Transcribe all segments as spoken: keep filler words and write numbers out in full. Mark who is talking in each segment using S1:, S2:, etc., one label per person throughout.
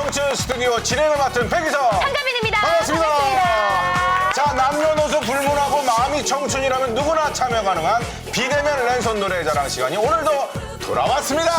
S1: 청춘 스튜디오 진행을 맡은 백이성
S2: 한가빈입니다.
S1: 반갑습니다.
S2: 반갑습니다.
S1: 자, 남녀노소 불문하고 마음이 청춘이라면 누구나 참여 가능한 비대면 랜선 노래자랑 시간이 오늘도 돌아왔습니다.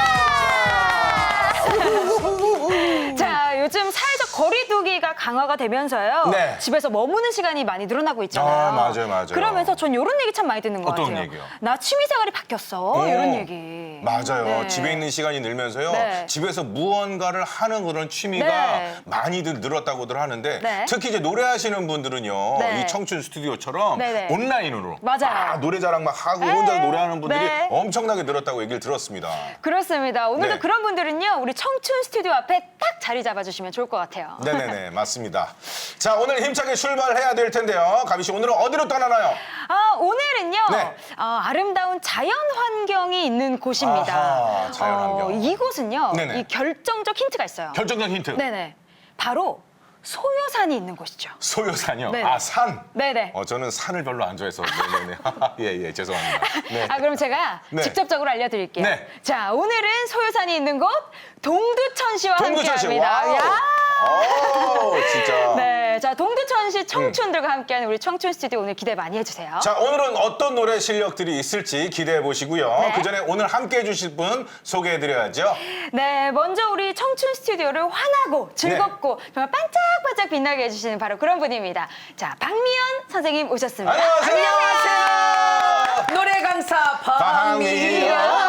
S2: 자, 요즘 사회적 거리두기가 강화가 되면서요.
S1: 네.
S2: 집에서 머무는 시간이 많이 늘어나고 있잖아요.
S1: 아, 맞아요, 맞아요.
S2: 그러면서 전 이런 얘기 참 많이 듣는 것
S1: 어떤
S2: 같아요.
S1: 얘기요?
S2: 나 취미생활이 바뀌었어. 이런 얘기.
S1: 맞아요.
S2: 네.
S1: 집에 있는 시간이 늘면서요.
S2: 네.
S1: 집에서 무언가를 하는 그런 취미가
S2: 네.
S1: 많이들 늘었다고들 하는데
S2: 네.
S1: 특히 이제 노래하시는 분들은요.
S2: 네.
S1: 이 청춘 스튜디오처럼
S2: 네네.
S1: 온라인으로
S2: 맞아요.
S1: 아, 노래자랑 막 하고
S2: 네.
S1: 혼자 노래하는 분들이
S2: 네.
S1: 엄청나게 늘었다고 얘기를 들었습니다.
S2: 그렇습니다. 오늘도
S1: 네.
S2: 그런 분들은요. 우리 청춘 스튜디오 앞에 딱 자리 잡아주시면 좋을 것 같아요.
S1: 네네네, 맞습니다. 자, 오늘 힘차게 출발해야 될 텐데요. 가비 씨, 오늘은 어디로 떠나나요?
S2: 아, 오늘은요.
S1: 네.
S2: 어, 아름다운 자연 환경이 있는 곳입니다.
S1: 아하, 자연 환경.
S2: 어, 이곳은요.
S1: 네네.
S2: 이 결정적 힌트가 있어요.
S1: 결정적 힌트.
S2: 네네. 바로 소요산이 있는 곳이죠.
S1: 소요산이요.
S2: 네네.
S1: 아, 산.
S2: 네네.
S1: 어, 저는 산을 별로 안 좋아해서. 네네네. 예, 예, 죄송합니다. 네.
S2: 아, 그럼 제가
S1: 네.
S2: 직접적으로 알려드릴게요.
S1: 네.
S2: 자, 오늘은 소요산이 있는 곳 동두천시와
S1: 동두천시.
S2: 함께합니다.
S1: 와우.
S2: 야!
S1: 오, 진짜.
S2: 네, 자 동두천시 청춘들과 함께하는 우리 청춘 스튜디오 오늘 기대 많이 해주세요.
S1: 자, 오늘은 어떤 노래 실력들이 있을지 기대해 보시고요.
S2: 네.
S1: 그 전에 오늘 함께 해주실 분 소개해 드려야죠.
S2: 네, 먼저 우리 청춘 스튜디오를 환하고 즐겁고
S1: 네.
S2: 정말 반짝반짝 빛나게 해주시는 바로 그런 분입니다. 자, 박미연 선생님 오셨습니다.
S1: 안녕하세요.
S3: 노래 강사 박미연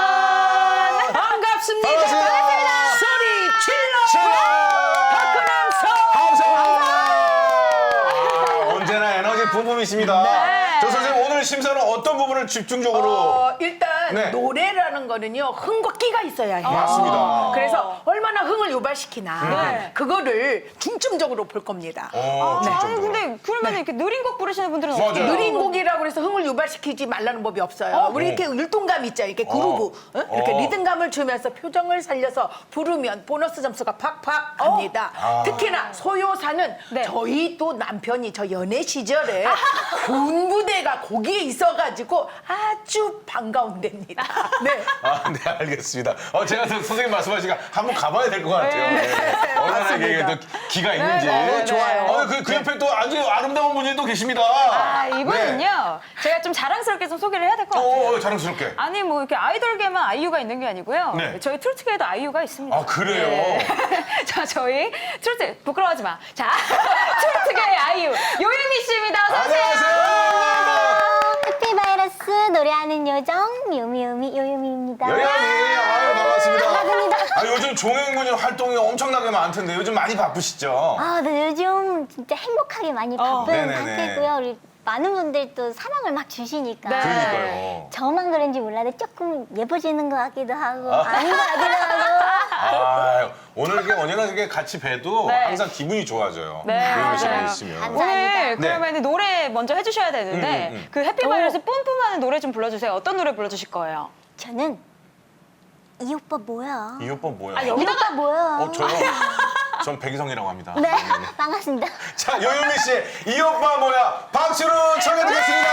S3: 반갑습니다.
S1: 반갑습니다.
S3: 소리 질러.
S1: 질러!
S3: 박근홍
S1: 아, 언제나 에너지 뿜뿜이십니다.
S2: 네.
S1: 저 선생님 오늘 심사는 어떤 부분을 집중적으로
S3: 어, 일단
S1: 네.
S3: 노래라는 거는요 흥과 끼가 있어야 해요.
S1: 맞습니다.
S3: 그래서 얼마나 흥을 유발시키나
S2: 네.
S3: 그거를 중점적으로 볼 겁니다.
S1: 어,
S2: 아,
S1: 진짜
S2: 아니, 근데 그러면 이렇게 느린 곡 부르시는 분들은
S1: 맞아요.
S2: 어떻게 해요?
S3: 느린 곡이라고 해서 흥을 유발시키지 말라는 법이 없어요.
S2: 어?
S3: 우리 이렇게 율동감 있죠. 이렇게 그루브 어? 이렇게
S1: 어.
S3: 리듬감을 주면서 표정을 살려서 부르면 보너스 점수가 팍팍 갑니다.
S1: 아.
S3: 특히나 소요사는
S2: 네.
S3: 저희 또 남편이 저 연애 시절에 군부대가 거기에 있어가지고 아주 반가운 데입니다. 네.
S1: 아, 네, 알겠습니다. 어, 제가 또 선생님 말씀하시니까 한번 가봐야 될 것 같아요.
S2: 네.
S1: 네. 얼마나
S3: 맞습니다.
S1: 이게 또 기가 있는지.
S2: 네, 네, 네.
S3: 좋아요.
S1: 어, 그, 그 옆에 또 아주 아름다운 분이 또 계십니다.
S2: 아, 이분은요.
S1: 네.
S2: 제가 좀 자랑스럽게 좀 소개를 해야 될 것 같아요.
S1: 어, 자랑스럽게.
S2: 아니 뭐 이렇게 아이돌계만 아이유가 있는 게 아니고요.
S1: 네.
S2: 저희 트로트계에도 아이유가 있습니다.
S1: 아, 그래요?
S2: 네. 자, 저희 트로트 부끄러워하지 마. 자, 트로트계의 아이유 요유미 씨입니다. 어서 오세요.
S1: 안녕하세요.
S4: 해피바이러스 노래하는 요정 요미요미 요요미입니다.
S1: 여연이, 아유, 반갑습니다.
S4: 반갑습니다.
S1: 아, 요즘 종횡군인 활동이 엄청나게 많던데 요즘 많이 바쁘시죠?
S4: 아, 네, 요즘 진짜 행복하게 많이
S2: 어.
S4: 바쁜
S1: 네네네.
S4: 상태고요. 우리 많은 분들 또 사랑을 막 주시니까
S2: 네.
S1: 그러니까요.
S4: 저만 그런지 몰라도 조금 예뻐지는 것 같기도 하고 아닌 것 같기도 하고.
S1: 아, 오늘 이게 언제나 이렇게 같이 뵈도
S2: 네.
S1: 항상 기분이 좋아져요.
S2: 네,
S1: 요요미 씨가
S2: 맞아요.
S1: 있으면.
S4: 감-
S2: 오늘
S4: 감사합니다.
S2: 그러면 노래 먼저 해주셔야 되는데
S1: 음, 음, 음.
S2: 그 해피바이러스 뿜뿜하는 노래 좀 불러주세요. 어떤 노래 불러주실 거예요?
S4: 저는 이 오빠 뭐야?
S1: 이 오빠 뭐야?
S2: 아,
S4: 이
S2: 여기다가-
S4: 오빠 뭐야?
S1: 어, 저요? 전 백이성이라고 합니다.
S4: 네, 반갑습니다.
S1: 자, 요요미 씨, 이 오빠 뭐야? 박수로 청해드리겠습니다.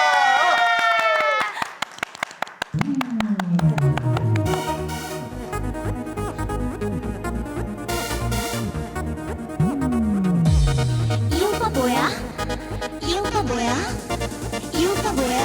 S4: 이 오빠 뭐야? 이 오빠 뭐야? 이 오빠 뭐야?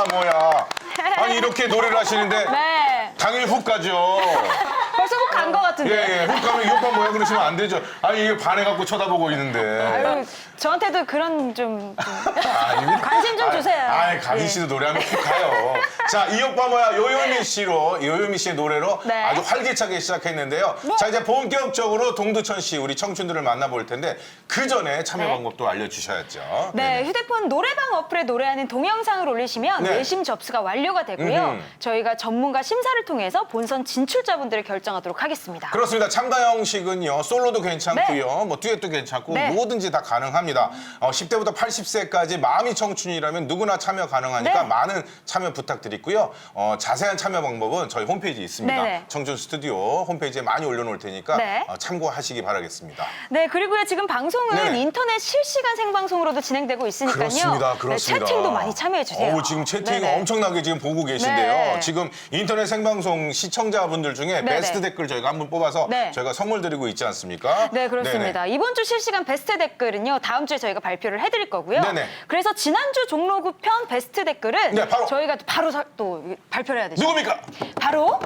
S1: 뭐야. 아니 이렇게 노래를 하시는데
S2: 네.
S1: 당일 훅 가죠.
S2: 벌써 훅 간 것 같은데.
S1: 예, 예. 훅 가면 이 오빠 뭐야 그러시면 안 되죠. 아니 이게 반해갖고 쳐다보고 있는데.
S2: 아유, 저한테도 그런 좀, 좀
S1: 아니,
S2: 관심 좀 주세요.
S1: 아이, 가기
S2: 예.
S1: 씨도 노래하면 훅 가요. 자, 이 오빠 뭐야, 요요미 씨로, 요요미 씨의 노래로
S2: 네.
S1: 아주 활기차게 시작했는데요. 자, 이제 본격적으로 동두천 씨, 우리 청춘들을 만나볼 텐데, 그 전에 참여
S2: 네.
S1: 방법도 알려주셔야죠.
S2: 네, 휴대폰 노래방 어플에 노래하는 동영상을 올리시면
S1: 네.
S2: 외심 접수가 완료가 되고요.
S1: 음흠.
S2: 저희가 전문가 심사를 통해서 본선 진출자분들을 결정하도록 하겠습니다.
S1: 그렇습니다. 참가 형식은요, 솔로도 괜찮고요, 뭐 듀엣도 괜찮고,
S2: 네.
S1: 뭐든지 다 가능합니다. 어, 십 대부터 팔십 세까지 마음이 청춘이라면 누구나 참여 가능하니까
S2: 네.
S1: 많은 참여 부탁드리고요. 어, 자세한 참여 방법은 저희 홈페이지에 있습니다.
S2: 네네.
S1: 청춘 스튜디오 홈페이지에 많이 올려놓을 테니까
S2: 네.
S1: 어, 참고하시기 바라겠습니다.
S2: 네, 그리고요 지금 방송은
S1: 네네.
S2: 인터넷 실시간 생방송으로도 진행되고 있으니까요.
S1: 그렇습니다. 그렇습니다.
S2: 네, 채팅도 많이 참여해 주세요.
S1: 어우, 지금 채팅
S2: 네네.
S1: 엄청나게 지금 보고 계신데요.
S2: 네.
S1: 지금 인터넷 생방송 시청자분들 중에
S2: 네네.
S1: 베스트 댓글 저희가 한번 뽑아서
S2: 네.
S1: 저희가 선물 드리고 있지 않습니까?
S2: 네, 그렇습니다.
S1: 네네.
S2: 이번 주 실시간 베스트 댓글은요, 다음 주에 저희가 발표를 해드릴 거고요.
S1: 네네.
S2: 그래서 지난주 종로구 편 베스트 댓글은
S1: 네, 바로.
S2: 저희가 바로 사- 또 발표를 해야 되죠.
S1: 누굽니까?
S2: 바로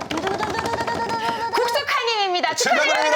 S2: 국수칼님입니다. 축하드립니다.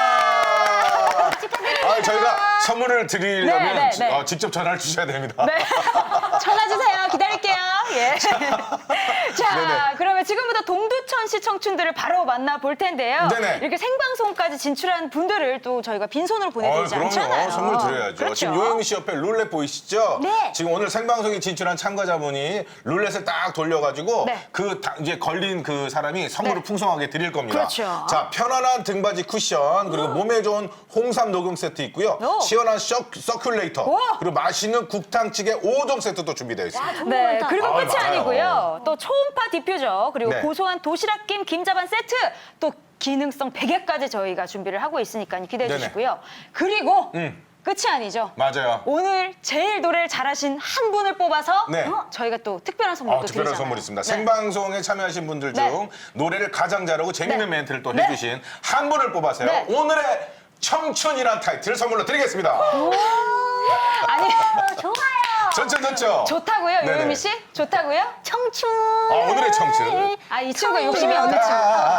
S1: 축하드립니다. 아, 저희가 선물을 드리려면
S2: 네, 네, 네.
S1: 어, 직접 전화를 주셔야 됩니다.
S2: 네. 전화 주세요. 기다릴게요. 예. 자,
S1: 네네.
S2: 그러면 지금부터 동두천시 청춘들을 바로 만나볼 텐데요.
S1: 네네.
S2: 이렇게 생방송까지 진출한 분들을 또 저희가 빈손으로
S1: 어,
S2: 보내드리지
S1: 그럼요.
S2: 않잖아요.
S1: 선물 드려야죠.
S2: 그렇죠.
S1: 지금 요예미 씨 옆에 룰렛 보이시죠?
S2: 네.
S1: 지금 오늘 생방송에 진출한 참가자분이 룰렛을 딱 돌려가지고
S2: 네.
S1: 그 다- 이제 걸린 그 사람이 선물을
S2: 네.
S1: 풍성하게 드릴 겁니다.
S2: 그렇죠.
S1: 자, 편안한 등받이 쿠션 그리고 몸에 좋은 홍삼 녹용 세트 있고요.
S2: 오.
S1: 시원한 셔, 서큘레이터
S2: 우와.
S1: 그리고 맛있는 국탕찌개 오 종 세트도 준비되어 있습니다.
S2: 네, 그리고
S1: 아,
S2: 끝이
S1: 많아요.
S2: 아니고요. 또 초음파 디퓨저, 그리고
S1: 네.
S2: 고소한 도시락김 김자반 세트, 또 기능성 베개까지 저희가 준비를 하고 있으니까 기대해
S1: 네네.
S2: 주시고요. 그리고
S1: 음.
S2: 끝이 아니죠.
S1: 맞아요.
S2: 오늘 제일 노래를 잘하신 한 분을 뽑아서
S1: 네.
S2: 어, 저희가 또 특별한 선물도
S1: 아, 특별한
S2: 드리잖아요.
S1: 선물 있습니다.
S2: 네.
S1: 생방송에 참여하신 분들 중
S2: 네.
S1: 노래를 가장 잘하고 재밌는
S2: 네.
S1: 멘트를 또
S2: 네.
S1: 해주신 한 분을 뽑아서요.
S2: 네.
S1: 오늘의 청춘이란 타이틀 선물로 드리겠습니다.
S2: 아니
S4: 좋아요.
S1: 전천 전천.
S2: 좋다고요,
S1: 네네.
S2: 요유미 씨? 좋다고요?
S4: 청춘.
S1: 아, 오늘의 청춘.
S2: 아, 이 친구가 욕심이 없는 친구.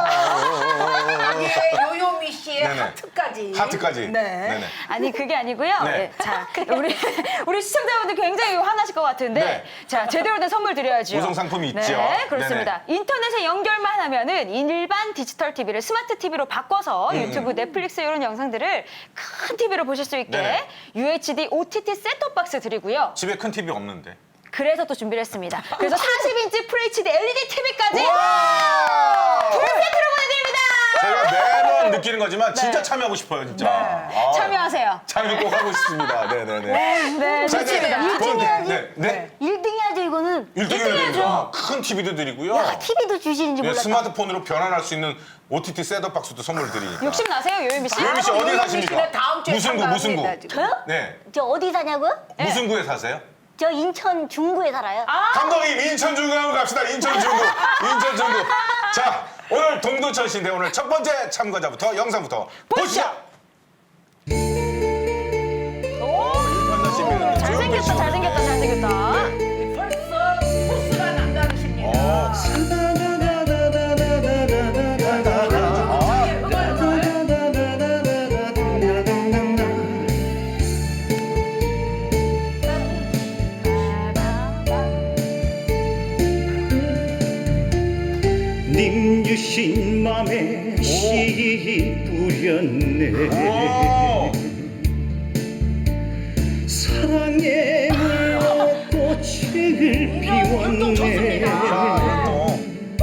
S3: 예, 요요미 씨의
S1: 네네.
S3: 하트까지.
S1: 하트까지.
S3: 네.
S1: 네네.
S2: 아니 그게 아니고요.
S1: 네.
S2: 예, 자, 우리 우리 시청자분들 굉장히 화나실 것 같은데,
S1: 네.
S2: 자 제대로 된 선물 드려야죠.
S1: 우승 상품이 있죠.
S2: 네, 그렇습니다. 인터넷에 연결만 하면은 일반 디지털 티비를 스마트 티비로 바꿔서
S1: 음.
S2: 유튜브, 넷플릭스 이런 영상들을 큰 티비로 보실 수 있게
S1: 네네.
S2: 유에이치디 오티티 셋톱 박스 드리고요.
S1: 집에 큰 티비 없는데.
S2: 그래서 또 준비를 했습니다. 그래서 사십 인치 풀에이치디 엘이디 티비까지
S1: 와!
S2: 풀 세트로 보내드립니다.
S1: 제가 매번 느끼는 거지만 진짜 참여하고 싶어요, 진짜. 아,
S2: 참여하세요.
S1: 참여 꼭 하고 싶습니다. 네네네.
S2: 네,
S1: 자, 이제
S2: 좋습니다.
S1: 그건-
S4: 해야지.
S1: 네, 네.
S4: 일 등 해야죠, 이거는.
S1: 일 등 해야 됩니다. 큰 티비도 드리고요.
S4: 야, 티비도 주시는지
S1: 네,
S4: 몰랐다.
S1: 스마트폰으로 변환할 수 있는 오티티 셋업 박스도 선물 드리니까.
S2: 욕심 나세요, 요유미 씨?
S1: 요유미 씨 어디
S3: 요요미
S1: 사십니까?
S3: 씨는 다음 주에
S1: 무슨 구, 무슨 구?
S3: 참가합니다, 지금.
S4: 저요?
S1: 네.
S4: 저 어디 사냐고요?
S1: 무슨 구에 사세요?
S4: 저 인천 중구에 살아요.
S1: 감독님 인천 중구 한번 갑시다. 인천 중구. 인천 중구. 자, 오늘 동두천 씨인데 오늘 첫 번째 참가자부터 영상부터 보시죠.
S2: 오, 잘생겼다, 잘생겼다, 잘생겼다.
S3: 벌써 포스가 남다르십니다.
S1: 어.
S5: 님 주신 맘에 씨 뿌렸네.
S1: 오.
S5: 사랑의 물로 꽃을 피웠네.
S1: 자,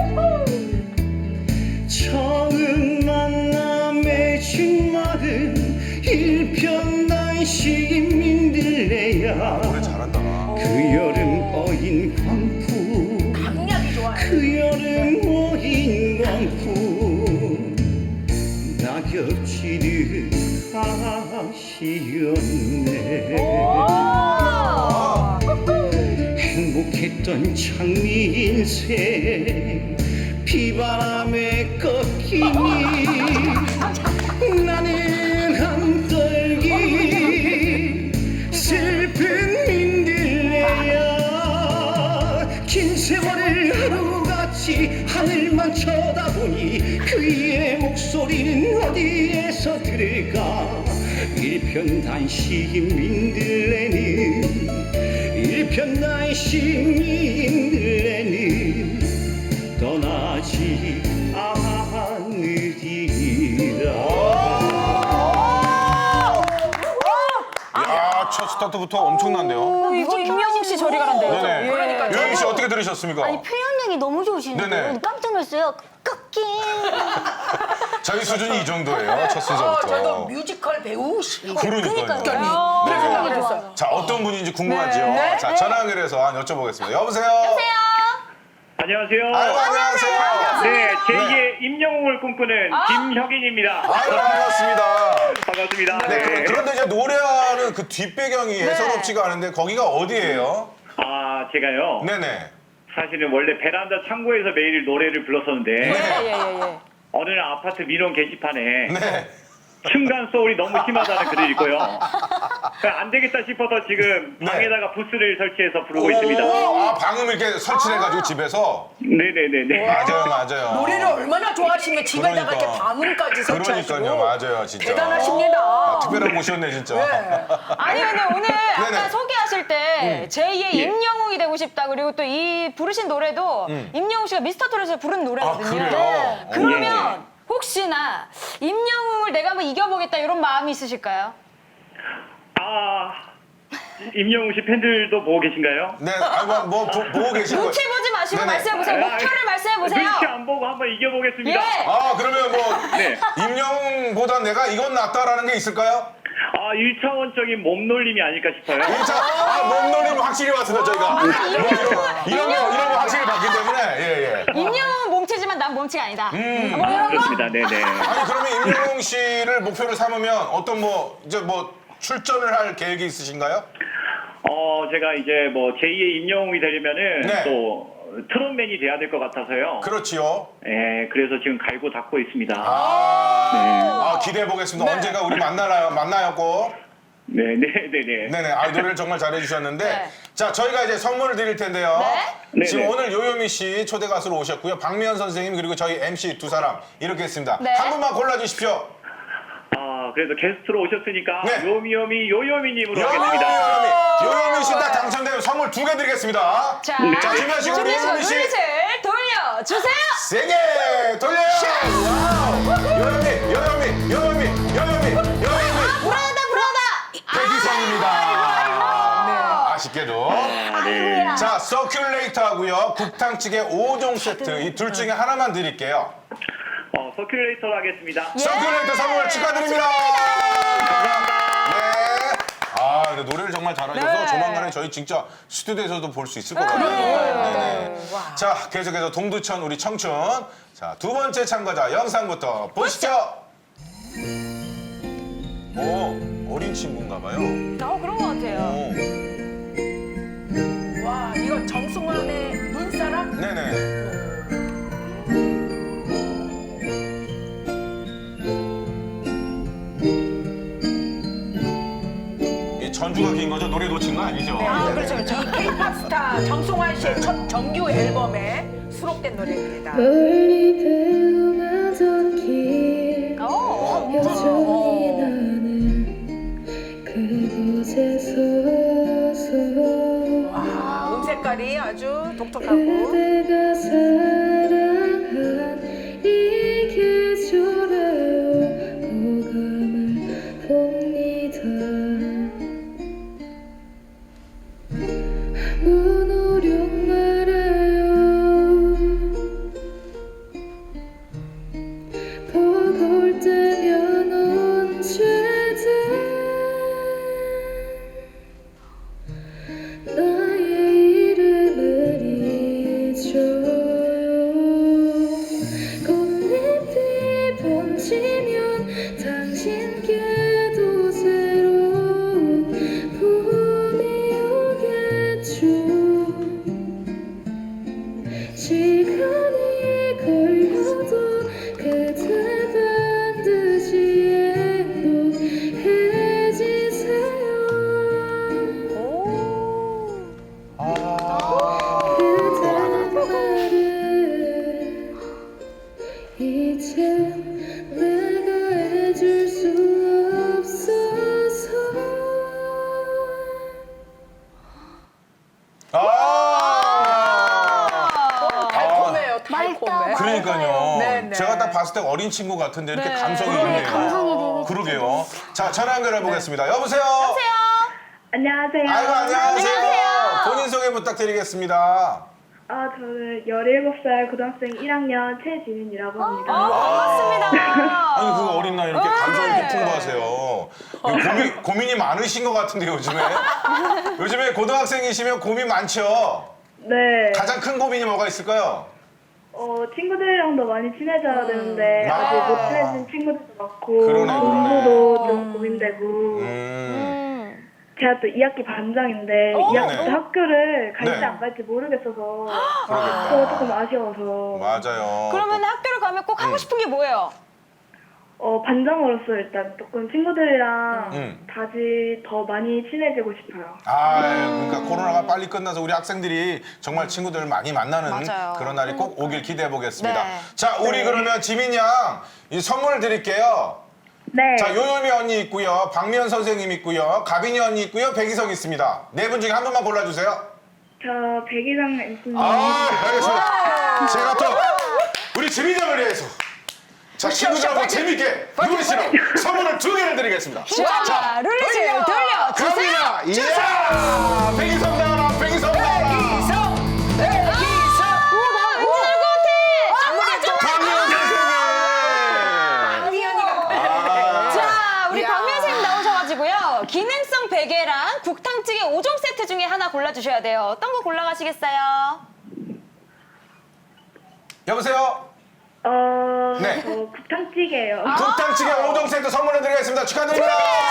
S5: 처음 만남에 준 말은 일편단심 민들레야.
S1: 노래 잘한다.
S5: 그 여름 어인 광풍,
S3: 강약이 좋아요.
S5: 그 여름 어인 광풍, 낙엽지는 가시였네. 행복했던 장미 인생 비바람에 꺾이니 나는 한떨기 슬픈 민들레야. 긴 일편단 시민들에는 일편단 시민들에는 떠나지 않으리라.
S1: 야, 첫 스타트부터 엄청난데요.
S2: 어, 이거 임영웅 씨 저리 가란데요.
S1: 네네.
S2: 그러니까
S1: 요예미 씨 어떻게 들으셨습니까?
S4: 아니 표현력이 너무 좋으시는데
S1: 네네.
S4: 깜짝 놀랐어요. 꺾인.
S1: 저희 수준이 이 정도예요. 첫
S3: 어,
S1: 순서부터.
S3: 저도 뮤지컬 배우시.
S1: 그러니까요.
S2: 어,
S3: 그런 생각이
S1: 네.
S3: 들었어요.
S1: 자, 어떤 분인지 궁금하죠?
S2: 네.
S1: 자, 전화 연결해서 한번 여쭤보겠습니다. 여보세요?
S6: 안녕하세요.
S1: 아이고, 안녕하세요.
S6: 네, 제이의 임영웅을 꿈꾸는
S2: 아.
S6: 김혁인입니다.
S1: 아이고, 반갑습니다.
S6: 반갑습니다.
S1: 네,
S6: 네.
S1: 그런데 이제 노래하는 그 뒷배경이 예사롭지가 않은데 거기가 어디예요?
S6: 아, 제가요.
S1: 네네.
S6: 사실은 원래 베란다 창고에서 매일 노래를 불렀었는데
S2: 예예예.
S6: 어느 날 아파트 민원 게시판에
S1: 네.
S6: 층간 소울이 너무 심하다는 글을 읽고요. 그러니까 안 되겠다 싶어서 지금
S1: 네.
S6: 방에다가 부스를 설치해서 부르고 있습니다.
S1: 오, 아, 방음을 이렇게 설치해가지고 집에서?
S6: 네네네네.
S1: 맞아요, 맞아요.
S3: 노래를 얼마나 좋아하시면 집에다가
S1: 그러니까.
S3: 이렇게 방음까지 설치하시고.
S1: 그러니까요, 맞아요, 진짜.
S3: 대단하십니다.
S1: 아, 특별한 곳이었네, 진짜.
S3: 네.
S2: 아니 근데 오늘 아까
S1: 네네.
S2: 소개하실 때 제이의
S6: 예.
S2: 임영웅이 되고 싶다 그리고 또 이 부르신 노래도 임영웅 씨가 미스터 트롯에서 부른 노래거든요.
S1: 아, 그래요?
S2: 그러면 혹시나 임영웅을 내가 한번 이겨보겠다 이런 마음이 있으실까요?
S6: 아, 임영웅 씨 팬들도 보고 계신가요?
S1: 네, 아, 뭐, 뭐 보, 보고 계신 거예요?
S2: 눈치 보지 마시고
S1: 네네.
S2: 말씀해보세요. 목표를 말씀해보세요.
S6: 눈치 안 보고 한번 이겨보겠습니다.
S2: 예.
S1: 아, 그러면 뭐,
S6: 네.
S1: 임영웅보다 내가 이건 낫다라는 게 있을까요?
S6: 아, 일차원적인 몸놀림이 아닐까 싶어요.
S1: 일 차, 아, 몸놀림 확실히 왔습니다, 저희가. 뭐, 이런, 거, 이런 거, 이런 거 확실히 봤기 때문에, 예, 예.
S2: 임영웅은 몸치지만 난 몸치가 아니다.
S1: 음.
S2: 뭐 이런 거?
S6: 그렇습니다. 네네.
S1: 아니, 그러면 임영웅 씨를 목표로 삼으면 어떤 뭐, 이제 뭐, 출전을 할 계획이 있으신가요?
S6: 어, 제가 이제 뭐 제이의 임영웅이 되려면은
S1: 네.
S6: 또 트롯맨이 돼야 될 것 같아서요.
S1: 그렇지요.
S6: 예, 그래서 지금 갈고 닦고 있습니다.
S1: 아, 아 기대해 보겠습니다. 언젠가 우리 만나요, 만나요, 꼭.
S6: 네, 네, 네, 네.
S1: 네네. 아, 노래를 정말 잘해주셨는데.
S2: 네.
S1: 자, 저희가 이제 선물을 드릴 텐데요.
S6: 네.
S1: 지금
S6: 네, 네.
S1: 오늘 요요미 씨 초대 가수로 오셨고요. 박미연 선생님, 그리고 저희 엠씨 두 사람. 이렇게 했습니다.
S2: 네.
S1: 한 분만 골라주십시오.
S6: 아, 그래서 게스트로 오셨으니까
S1: 네.
S6: 요미요미 요요미님으로
S1: 요요미,
S6: 하겠습니다.
S1: 요요미. 요요미 씨 딱 당첨되면 선물 두 개 드리겠습니다.
S2: 자,
S1: 자, 준비하시고 우리 요요미 씨.
S2: 눈빛을 돌려주세요.
S1: 세게 돌려요! 와우! 요요미, 요요미, 요요미, 요요미, 요요미.
S2: 불안하다, 불안하다.
S1: 백이성입니다. 아, 아쉽게도.
S6: 네.
S1: 자, 서큘레이터 하고요. 국탕찌개 오 종 세트. 이 둘 중에 하나만 드릴게요.
S6: 어, 서큘레이터로 하겠습니다.
S1: 서큘레이터 선물 축하드립니다. 네. 아, 근데 노래를 정말 잘하셔서
S2: 네.
S1: 조만간에 저희 진짜 스튜디오에서도 볼 수 있을 것 같아요. 네네. 자, 계속해서 동두천 우리 청춘. 자, 두 번째 참가자 영상부터 보시죠. 오, 어린 친구인가 봐요.
S2: 어, 그런 것 같아요.
S1: 오,
S3: 와, 이거 정승환의 눈사람?
S1: 네네. 이 전주가 긴 거죠? 노래 놓친 거 아니죠?
S2: 아,
S1: 네네.
S2: 그렇죠, 그렇죠.
S3: 이 K-팝 스타 정승환 씨의 첫 정규 앨범에 수록된 노래입니다.
S7: 멀리 배웅하던 길
S2: 어,
S7: 여전히 나는 그곳에 서서
S3: 와, 음 색깔이 아주 독특하고.
S7: 그대가 사랑한 이 계절에 오감을 봅니다. 아무 노력 말아요. 보고 올 때면 언제든 나의 이름을 잊어요.
S1: 그러니까요.
S3: 네, 네.
S1: 제가 딱 봤을 때 어린 친구 같은데 이렇게
S2: 네.
S1: 감성이
S2: 네,
S1: 있네요.
S4: 감성이 되게
S1: 그러게요. 자, 전화 연결해 보겠습니다. 여보세요?
S2: 안녕하세요.
S8: 안녕하세요.
S1: 아이고, 안녕하세요.
S2: 안녕하세요.
S1: 본인 소개 부탁드리겠습니다.
S8: 아, 저는 열일곱 살 고등학생 일 학년 최지민이라고 합니다.
S2: 어, 반갑습니다.
S1: 아니, 그 어린 나이 이렇게 감성
S2: 네.
S1: 있게 풍부하세요. 고민, 고민이 많으신 것 같은데, 요즘에. 요즘에 고등학생이시면 고민 많죠?
S8: 네.
S1: 가장 큰 고민이 뭐가 있을까요?
S8: 어, 친구들이랑도 많이 친해져야 되는데,
S1: 아.
S8: 아직 못 친해진 친구들도 많고,
S1: 그러네, 그러네.
S8: 공부도 좀 고민되고,
S1: 음.
S2: 음.
S8: 제가 또 이 학기 반장인데,
S2: 어?
S8: 이 학기
S1: 네.
S8: 때 학교를 갈지
S1: 네.
S8: 안 갈지 모르겠어서,
S1: 그러니까.
S8: 그거 조금 아쉬워서,
S1: 맞아요.
S2: 그러면 학교를 가면 꼭 하고
S1: 음.
S2: 싶은 게 뭐예요?
S8: 어, 반장으로서 일단 조금 친구들이랑
S1: 음.
S8: 다시 더 많이 친해지고 싶어요.
S1: 아, 그러니까 코로나가 빨리 끝나서 우리 학생들이 정말 친구들을 많이 만나는
S2: 맞아요.
S1: 그런 날이 꼭 오길 기대해 보겠습니다.
S2: 네.
S1: 자, 우리 그러면 지민 양, 이 선물 드릴게요.
S8: 네.
S1: 자, 요요미 언니 있고요, 박미연 선생님 있고요, 가빈이 언니 있고요, 백이성 있습니다. 네 분 중에 한 분만 골라주세요.
S8: 저 백이성 엠씨님.
S1: 아, 알겠습니다. 제가 또 우리 지민 양을 위해서 자, 친구들하고 재밌게 놀시라고 선물을 두 개를 드리겠습니다.
S2: 자, 룰렛을 돌려주세요.
S1: 갑니다. 이야! 백이성 나와라, 백이성 나와라. 박미연 선생님.
S2: 자, 우리
S3: 이야.
S2: 박미연 선생님 나오셔가지고요. 기능성 베개랑 국탕찌개 오 종 세트 중에 하나 골라주셔야 돼요. 어떤 거 골라가시겠어요?
S1: 여보세요?
S8: 어,
S1: 네.
S8: 저 국탕찌개요.
S1: 국탕찌개 오 종 세트 선물해 드리겠습니다. 축하드립니다.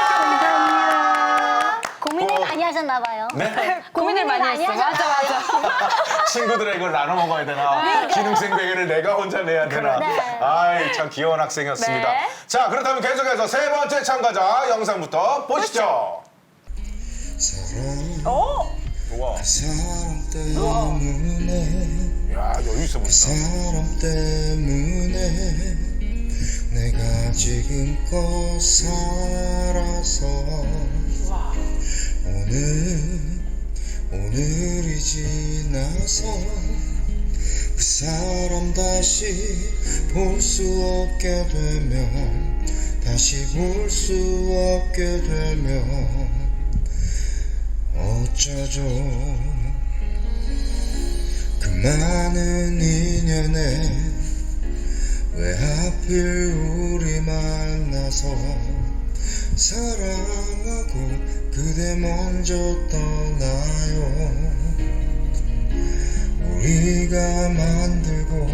S4: 고민을
S1: 어.
S4: 많이 하셨나 봐요.
S1: 네?
S2: 고민을 많이
S4: 많이
S2: 했어. 맞아, 맞아.
S1: 친구들의 이걸 나눠 먹어야 되나? 기능생 베개를 내가 혼자 내야 되나?
S4: 네.
S1: 아이, 참 귀여운 학생이었습니다.
S2: 네.
S1: 자, 그렇다면 계속해서 세 번째 참가자 영상부터 보시죠.
S2: 오!
S1: 우와.
S9: 사람 때문에
S1: 야, 여유 있어 보인다.
S9: 사람 때문에 내가 지금껏 살아서 오늘 오늘이 지나서 그 사람 다시 볼 수 없게 되면 다시 볼 수 없게 되면 어쩌죠 그 많은 인연에 왜 하필 우리 만나서 사랑하고 그대 먼저 떠나요 우리가 만들고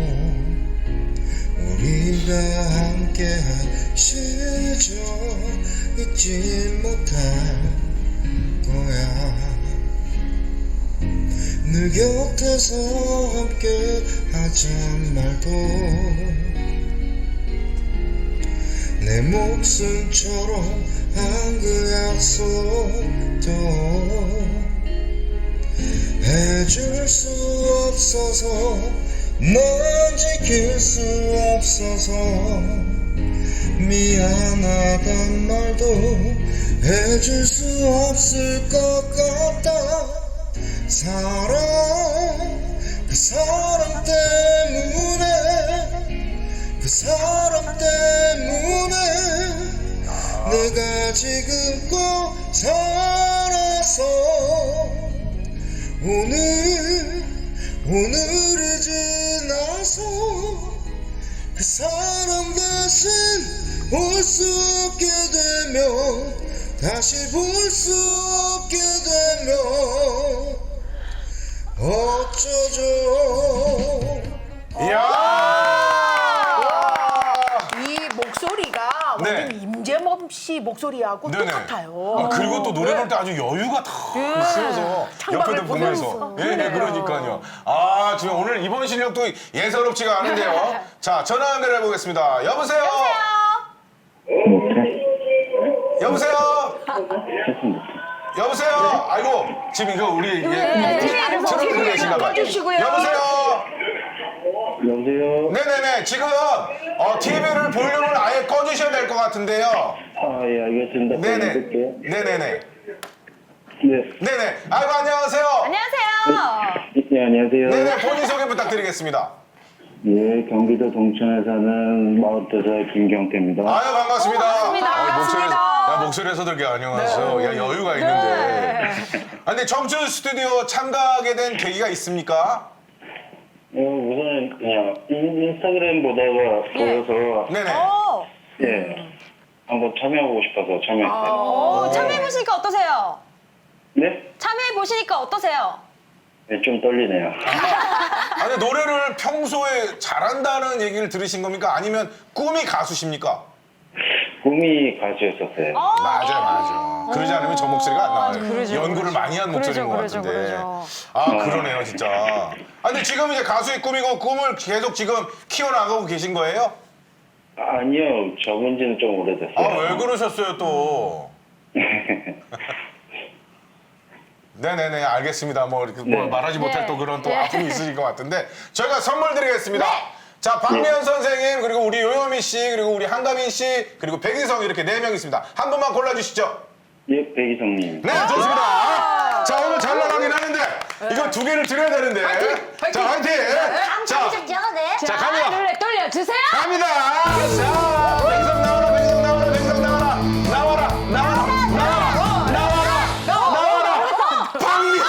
S9: 우리가 함께한 시절 잊지 못할 거야 늘 곁에서 함께 하잔 말도 내 목숨처럼 한 그 약속도 해줄 수 없어서 넌 지킬 수 없어서 미안하단 말도 해줄 수 없을 것 같다 사랑 그 사람 때문에 그 사람 때문에 내가 지금껏 살아서 오늘 오늘이 지나서 그 사람 대신 볼 수 없게 되면 다시 볼 수 없게 되면 어쩌죠
S1: 이야!
S3: 이 목소리가
S1: 네.
S3: 완전 임재범 씨 목소리하고
S1: 네네.
S3: 똑같아요.
S1: 아, 그리고 또 노래 부를 때 아주 여유가 다 있으면서
S3: 창밖을
S1: 옆에도 보면서.
S3: 보면서.
S1: 예, 네, 그러니까요. 아, 지금 오늘 이번 실력도 예사롭지가 않은데요. 자, 전화 연결해 보겠습니다. 여보세요? 여보세요? 여보세요? 아이고, 지금 이거 우리 예, 트로트 계신가 봐요.
S3: 꺼주시고요.
S1: 여보세요?
S6: 여보세요?
S1: 네네네. 지금 어, 티비를 볼륨을 아예 꺼주셔야 될 것 같은데요.
S6: 아, 예, 알겠습니다.
S1: 네네.
S6: 끊을게요.
S1: 네네네.
S6: 네.
S1: 네네. 아이고, 안녕하세요.
S2: 안녕하세요.
S6: 네, 안녕하세요.
S1: 네네. 본인 소개 부탁드리겠습니다.
S5: 예, 경기도 동천에 사는 마흔두 살 김경태입니다.
S1: 아유 반갑습니다.
S2: 반갑습니다.
S1: 어,
S2: 반갑습니다.
S1: 목소리, 야 목소리에서도 이렇게 안녕하세요. 야 여유가 있는데. 아, 근데 청춘 스튜디오 참가하게 된 계기가 있습니까?
S5: 어, 우선 그냥 인- 인스타그램 보다가 보여서
S1: 네네.
S2: 어,
S5: 예, 한번 참여하고 싶어서 참여했어요.
S2: 오, 참여해보시니까 어떠세요?
S5: 네?
S2: 참여해보시니까 어떠세요?
S5: 네, 좀 떨리네요.
S1: 아, 근데 노래를 평소에 잘한다는 얘기를 들으신 겁니까? 아니면 꿈이 가수십니까?
S5: 꿈이 가수였었어요.
S1: 맞아요, 맞아요. 그러지 않으면 저 목소리가 안 나와요.
S2: 그러죠,
S1: 연구를 많이 한 목소리인 것
S2: 그러죠,
S1: 같은데.
S2: 그러죠.
S1: 아, 그러네요, 진짜. 아, 근데 지금 이제 가수의 꿈이고 꿈을 계속 지금 키워나가고 계신 거예요?
S5: 아니요, 적은 지는 좀 오래됐어요.
S1: 아, 왜 그러셨어요, 또? 네네네, 알겠습니다. 뭐, 이렇게 뭐
S5: 네.
S1: 말하지 못할
S2: 네.
S1: 또 그런 또
S2: 네.
S1: 아픔이 있으실 것 같은데, 저희가 선물 드리겠습니다. 자, 박미연 선생님, 그리고 우리 요요미 씨, 그리고 우리 한가민 씨, 그리고 백이성 이렇게 네 명 있습니다. 한 분만 골라주시죠.
S5: 예, 백이성님.
S1: 네, 좋습니다. 자, 오늘 잘 나가긴 하는데, 이거 두 개를 드려야 되는데. 자, 화이팅! 자,
S4: 네.
S1: 자, 갑니다.
S2: 룰렛 돌려주세요.
S1: 갑니다. 자, 백이성 나와라, 백이성 나와라, 백이성 나와라. 나와라, 나와라, 나와라, 나와라, 나와라. 박미연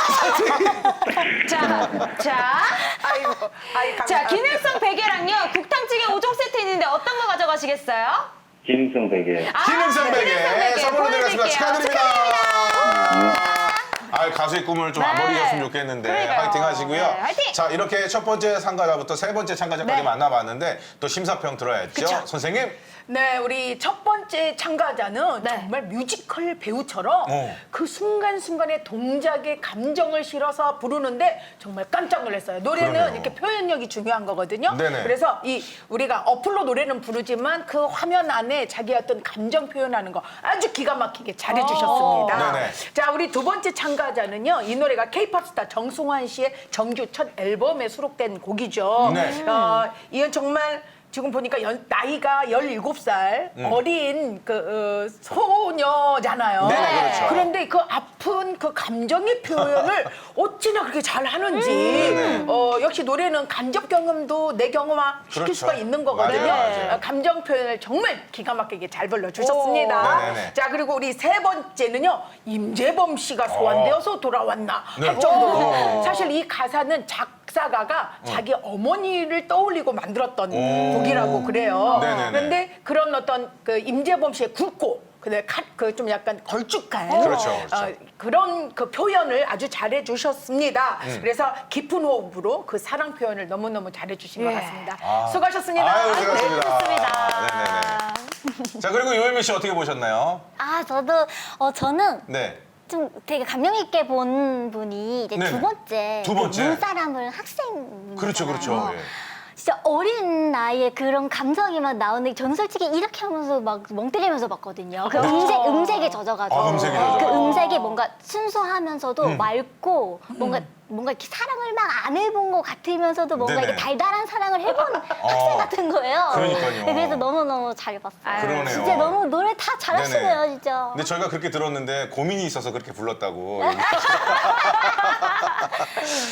S1: 선생님.
S2: 자, 자.
S3: 아이고, 아이
S2: 자,
S3: 감사합니다.
S2: 기능성 베개랑요, 국탕찌개 오 종 세트 있는데 어떤 거 가져가시겠어요?
S5: 김성 베개.
S2: 아,
S1: 기능성 베개
S2: 기능성 베개
S1: 선물로 드리겠습니다.
S2: 보여드릴게요.
S1: 축하드립니다. 아, 가수의 꿈을 좀 안
S2: 네.
S1: 버리셨으면 좋겠는데
S2: 그러니까요.
S1: 화이팅 하시고요.
S2: 네, 화이팅!
S1: 자, 이렇게 첫 번째 참가자부터 세 번째 참가자까지
S2: 네.
S1: 만나봤는데 또 심사평 들어야죠.
S3: 그쵸.
S1: 선생님.
S3: 네, 우리 첫 번째 참가자는
S2: 네.
S3: 정말 뮤지컬 배우처럼
S1: 어.
S3: 그 순간순간의 동작에 감정을 실어서 부르는데 정말 깜짝 놀랐어요. 노래는
S1: 그러네요.
S3: 이렇게 표현력이 중요한 거거든요.
S1: 네네.
S3: 그래서 이 우리가 어플로 노래는 부르지만 그 화면 안에 자기 어떤 감정 표현하는 거 아주 기가 막히게 잘해 주셨습니다.
S1: 어. 네네.
S3: 자, 우리 두 번째 참가자는요. 이 노래가 케이팝 스타 정승환 씨의 정규 첫 앨범에 수록된 곡이죠.
S1: 네.
S3: 어, 이건 정말 지금 보니까 연- 나이가 열일곱 살 어린 그 어, 소녀잖아요.
S1: 네네, 그렇죠.
S3: 그런데 그 아픈 그 감정의 표현을 어찌나 그렇게 잘 하는지
S1: 네네.
S3: 어, 역시 노래는 간접 경험도 내 경험화 시킬
S1: 그렇죠.
S3: 수가 있는 거거든요.
S1: 맞아요, 맞아요.
S3: 어, 감정 표현을 정말 기가 막히게 잘 불러주셨습니다.
S1: 오. 네네네.
S3: 자, 그리고 우리 세 번째는요. 임재범 씨가 소환되어서 돌아왔나
S1: 네.
S3: 할 정도로
S1: 오.
S3: 사실 이 가사는 작사가가 자기 어머니를 떠올리고 만들었던
S1: 오.
S3: 곡이라고 그래요.
S1: 네네네.
S3: 그런데 그런 어떤 그 임재범 씨의 굵고 근데 그좀 약간 걸쭉한
S1: 그렇죠, 그렇죠.
S3: 어, 그런 그 표현을 아주 잘해 주셨습니다.
S1: 음.
S3: 그래서 깊은 호흡으로 그 사랑 표현을 너무너무 잘해 주신 것
S2: 예.
S3: 같습니다.
S1: 아.
S3: 수고하셨습니다.
S1: 아유, 수고하셨습니다.
S2: 네, 좋습니다.
S1: 네네네. 자, 그리고 요요미 씨 어떻게 보셨나요?
S4: 아, 저도 어 저는
S1: 네.
S4: 좀 되게 감명 있게 본 분이 이제
S1: 네네.
S4: 두 번째
S1: 두 번째.
S4: 그 눈사람을 학생
S1: 그렇죠, 그렇죠. 예.
S4: 진짜 어린 나이에 그런 감성이 막 나오는데 저는 솔직히 이렇게 하면서 막 멍 때리면서 봤거든요. 그 음색, 음색에 젖어가지고.
S1: 아, 음색에 젖어가지고.
S4: 그 음색이 뭔가 순수하면서도 맑고 뭔가 뭔가 이렇게 사랑을 막 안 해본 것 같으면서도 뭔가
S1: 네네.
S4: 이렇게 달달한 사랑을 해본 학생 같은 거예요.
S1: 그러니까요.
S4: 네, 그래서 너무너무 잘 봤어요.
S1: 그러네요.
S4: 진짜 너무 노래 다 잘하시네요,
S1: 네네.
S4: 진짜.
S1: 근데 저희가 그렇게 들었는데 고민이 있어서 그렇게 불렀다고.